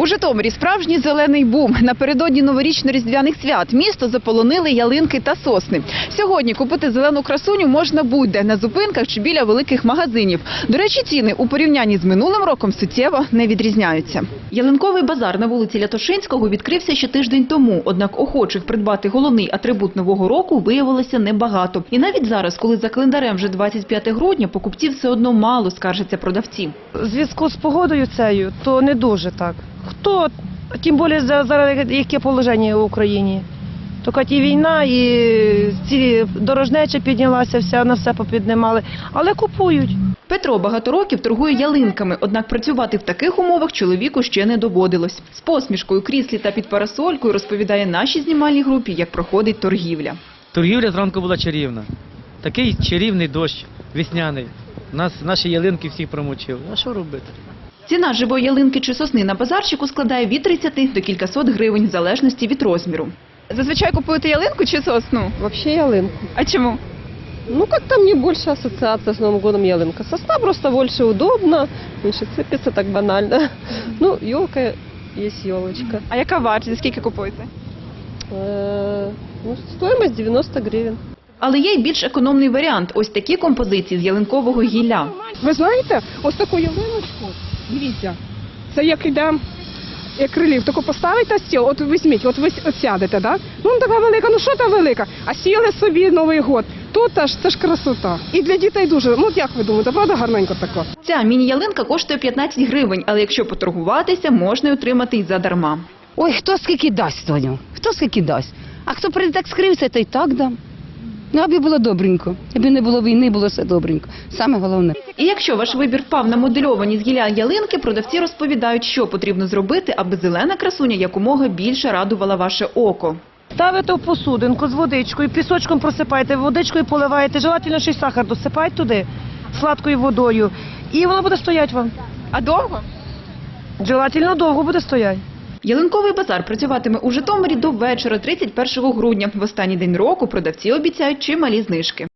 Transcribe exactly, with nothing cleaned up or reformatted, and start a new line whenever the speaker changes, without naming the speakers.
У Житомирі справжній зелений бум. Напередодні новорічно-різдвяних свят місто заполонили ялинки та сосни. Сьогодні купити зелену красуню можна будь-де, на зупинках чи біля великих магазинів. До речі, ціни у порівнянні з минулим роком суттєво не відрізняються. Ялинковий базар на вулиці Лятошинського відкрився ще тиждень тому. Однак охочих придбати головний атрибут нового року виявилося небагато. І навіть зараз, коли за календарем вже двадцять п'яте грудня, покупців все одно мало, скаржаться продавці.
У зв'язку з погодою цією, то не дуже так. Хто, тим більше зараз яке положення в Україні. Тільки і війна, і ці дорожнеча піднялася, вся на все попіднімали, але купують.
Петро багато років торгує ялинками, однак працювати в таких умовах чоловіку ще не доводилось. З посмішкою, кріслі та під парасолькою розповідає нашій знімальній групі, як проходить торгівля.
Торгівля зранку була чарівна. Такий чарівний дощ, весняний. Нас, наші ялинки всіх промочили. А що робити?
Ціна живої ялинки чи сосни на базарчику складає від тридцяти до кількасот гривень, в залежності від розміру. Зазвичай купуєте ялинку чи сосну?
Вообще ялинку.
А чому?
Ну, как-то мне больше ассоциация с Новым годом ялинка. Сосна просто больше удобно, меньше цепится так банально. Ну, елка есть елочка.
А яка вартість? Скільки купуєте?
Э, Ну, стоимость девяносто гривен.
Але є й більш економний варіант. Ось такі композиції з ялинкового гілля.
Ви знаєте, ось таку ялиночку, дивіться, це як іде, як реліф, таку поставите стіл, от візьміть, от ви от сядете, да? Ну така велика, ну що та велика, а сіли собі Новий год. Тут аж це ж красота. І для дітей дуже, ну як ви думаєте, правда гарненько тако?
Ця міні-ялинка коштує п'ятнадцять гривень, але якщо поторгуватися, можна й отримати й задарма.
Ой, хто скільки дасть, Тоню, хто скільки дасть. А хто прийде так скрився, то й так дам. Ну, аби було добренько, аби не було війни, було все добренько. Саме головне.
І якщо ваш вибір впав на модельовані з гілля ялинки, продавці розповідають, що потрібно зробити, аби зелена красуня якомога більше радувала ваше око.
Ставите в посудинку з водичкою, пісочком просипаєте, водичкою поливаєте, желательно ще й сахар досипаєте туди, сладкою водою, і воно буде стояти вам.
А довго?
Желательно довго буде стояти.
Ялинковий базар працюватиме у Житомирі до вечора, тридцять першого грудня. В останній день року продавці обіцяють чималі знижки.